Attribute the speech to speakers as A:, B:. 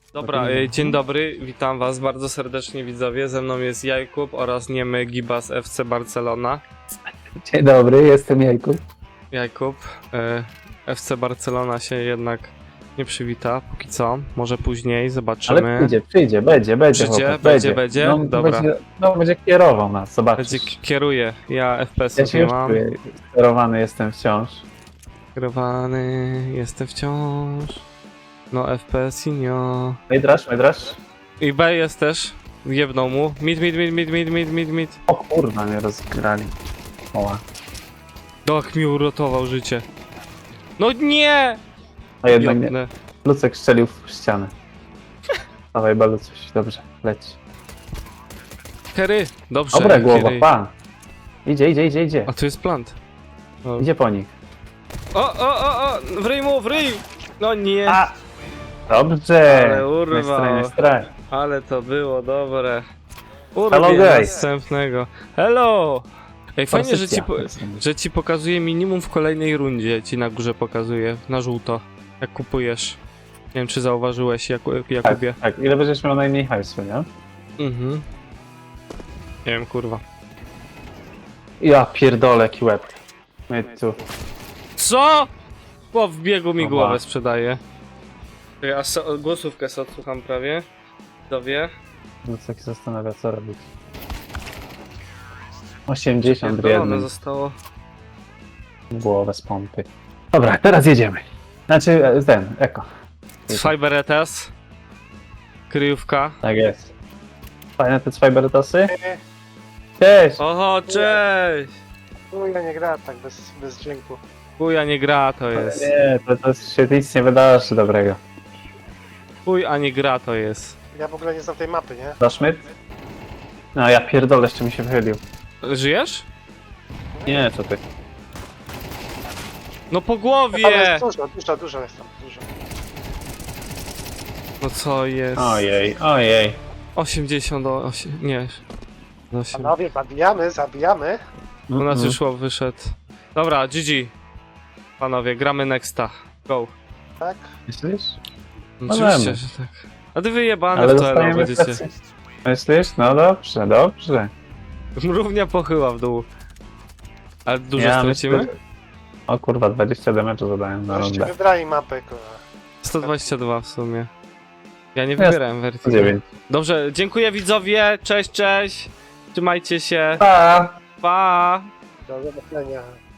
A: Dobra, dzień dobry, witam was bardzo serdecznie widzowie, ze mną jest Jakub oraz niemy Gibas FC Barcelona.
B: Dzień dobry, jestem Jakub.
A: Jakub, FC Barcelona się jednak nie przywita, póki co, może później, zobaczymy.
B: Ale przyjdzie, będzie.
A: Przyjdzie,
B: chłopak,
A: będzie?
B: No,
A: Dobra.
B: będzie kierował nas, zobaczysz.
A: Będzie kieruje, ja
B: Ja
A: FPS-ów
B: się
A: nie
B: już
A: mam.
B: czuję, sterowany jestem wciąż.
A: Kierowany, jestem wciąż. No FPS-i nie.
B: Majdrasz?
A: I B jest też, jebnął mu. Mid.
B: O kurwa, mnie rozgrali. Oła.
A: Tak mi uratował życie. No nie!
B: A jednak nie.
A: Jebnę.
B: Lucek strzelił w ścianę. Dawaj, Balucuś, dobrze, leć.
A: Kery! Dobrze,
B: Dobra głowa,
A: Kery.
B: pan. Idzie.
A: A tu jest plant. O,
B: Idzie po nich.
A: o! W ryj! No nie!
B: A! Dobrze!
A: Ale urwał.
B: Nie straj.
A: Ale to było dobre.
B: Hello,
A: Urwie
B: guys.
A: następnego. Hello! Ej, fajnie,
B: Pozycja.
A: że ci pokazuje minimum w kolejnej rundzie. Ci na górze pokazuje, na żółto. Jak kupujesz. Nie wiem, czy zauważyłeś, Jakubie.
B: Tak, ile będziesz miał najmniej hajsu, nie?
A: Mhm. Nie wiem, kurwa.
B: Ja pierdolę, jaki łeb. My tu.
A: Co? Bo w biegu mi
B: Oba.
A: głowę sprzedaje. Ja głosówkę sobie odsłucham prawie. Dowie.
B: Lucek się zastanawia, co robić. 80 w
A: Pierdolone
B: jednym.
A: zostało.
B: Głowę z pompy. Dobra, teraz jedziemy. Znaczy, ten, eko.
A: Fiber ETS. Kryjówka.
B: Tak jest. Fajne te Fibertosy? Cześć!
A: Oho, cześć!
C: Ja nie gra tak bez dźwięku.
A: Chuj, a nie gra to jest.
B: Nie, to się nic nie wydarzy dobrego.
A: Chuj, a nie gra to jest.
C: Ja w ogóle nie znam tej mapy, nie?
B: Daszmyt? No ja pierdolę, jeszcze mi się wychylił.
A: Żyjesz?
B: Nie, co ty?
A: No po
C: Tam
A: głowie!
C: jest dużo jest tam, dużo.
A: No co jest?
B: Ojej.
A: 80 do 8. Nie. Do 8.
C: Panowie, zabijamy.
A: U nas już łop wyszedł. Dobra, GG. Panowie, gramy nexta. Go.
C: Tak?
B: Myślisz?
A: Oczywiście,
B: Możemy.
A: że tak. A ty wyjebane
B: Ale
A: w to elo
B: dostajemy
A: będziecie.
B: presję. Myślisz? No dobrze.
A: Równia pochyła w dół. Ale dużo
B: Ja
A: stracimy?
B: myślę, że- O kurwa, 20 damage'u zadałem na
C: Żeście
B: rundę.
C: wybrali mapę, kurwa.
A: 122 w sumie. Ja nie
B: Jasne.
A: wybierałem wersji.
B: 9.
A: Dobrze, dziękuję widzowie, cześć! Trzymajcie się,
B: Pa!
A: pa!
C: Do zobaczenia.